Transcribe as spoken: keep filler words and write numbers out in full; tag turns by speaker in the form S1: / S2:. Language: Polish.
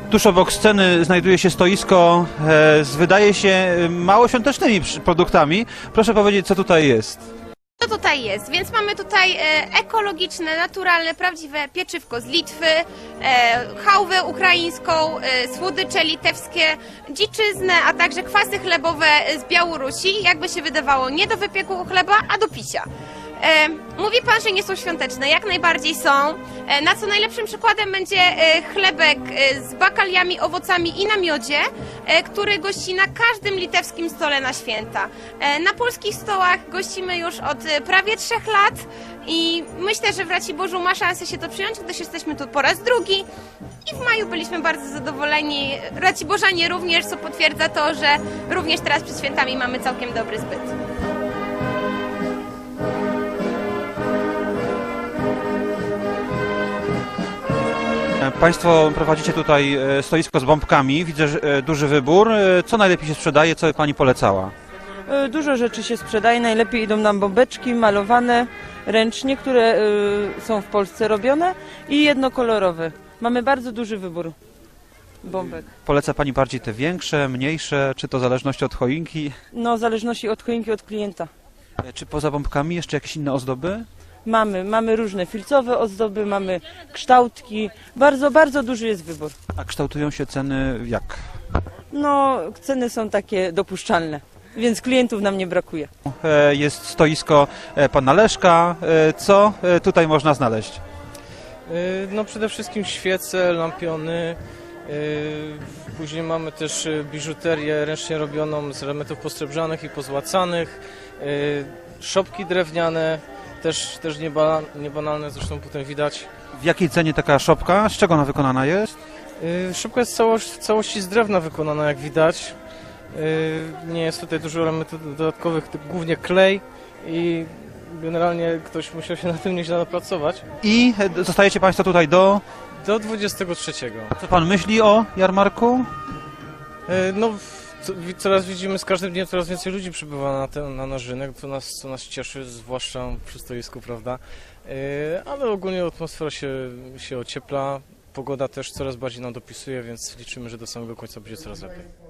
S1: Tuż obok sceny znajduje się stoisko e, z, wydaje się, mało świątecznymi przy- produktami. Proszę powiedzieć, co tutaj jest.
S2: Co tutaj jest? Więc mamy tutaj e, ekologiczne, naturalne, prawdziwe pieczywko z Litwy, e, chałwę ukraińską, e, słodycze litewskie, dziczyznę, a także kwasy chlebowe z Białorusi. Jakby się wydawało, nie do wypieku chleba, a do picia. E, mówi pan, że nie są świąteczne. Jak najbardziej są. E, na co najlepszym przykładem będzie e, chlebek e, z bakaliami, owocami i na miodzie, e, który gości na każdym litewskim stole na święta. E, na polskich stołach gościmy już od e, prawie trzech lat i myślę, że w Raciborzu ma szansę się to przyjąć, gdyż jesteśmy tu po raz drugi. I w maju byliśmy bardzo zadowoleni. Raciborzanie również, co potwierdza to, że również teraz przed świętami mamy całkiem dobry zbyt.
S1: Państwo prowadzicie tutaj e, stoisko z bombkami, widzę że, e, duży wybór. E, Co najlepiej się sprzedaje, co by Pani polecała?
S3: E, Dużo rzeczy się sprzedaje, najlepiej idą nam bombeczki malowane ręcznie, które e, są w Polsce robione i jednokolorowe. Mamy bardzo duży wybór bombek.
S1: Poleca Pani bardziej te większe, mniejsze, czy to w zależności od choinki?
S3: No, w zależności od choinki, od klienta.
S1: E, Czy poza bombkami jeszcze jakieś inne ozdoby?
S3: Mamy, mamy różne filcowe ozdoby, mamy kształtki, bardzo, bardzo duży jest wybór.
S1: A kształtują się ceny jak?
S3: No, ceny są takie dopuszczalne, więc klientów nam nie brakuje.
S1: E, Jest stoisko e, Pana Leszka. E, Co e, tutaj można znaleźć?
S4: Yy, No przede wszystkim świece, lampiony, yy, później mamy też yy, biżuterię ręcznie robioną z elementów posrebrzanych i pozłacanych, yy, szopki drewniane, też, też nieba, niebanalne, zresztą potem widać.
S1: W jakiej cenie taka szopka? Z czego ona wykonana jest?
S4: Yy, Szopka jest całość, w całości z drewna wykonana, jak widać. Yy, Nie jest tutaj dużo elementów dodatkowych, to głównie klej i generalnie ktoś musiał się na tym nieźle napracować.
S1: I e, zostajecie Państwo tutaj do...
S4: Do dwudziestego trzeciego.
S1: Co Pan myśli o jarmarku?
S4: E, No, w- co- wi- coraz widzimy, z każdym dniem coraz więcej ludzi przybywa na, ten, na nasz rynek, co nas, co nas cieszy, zwłaszcza przy stoisku, prawda? E, Ale ogólnie atmosfera się, się ociepla, pogoda też coraz bardziej nam dopisuje, więc liczymy, że do samego końca będzie coraz lepiej.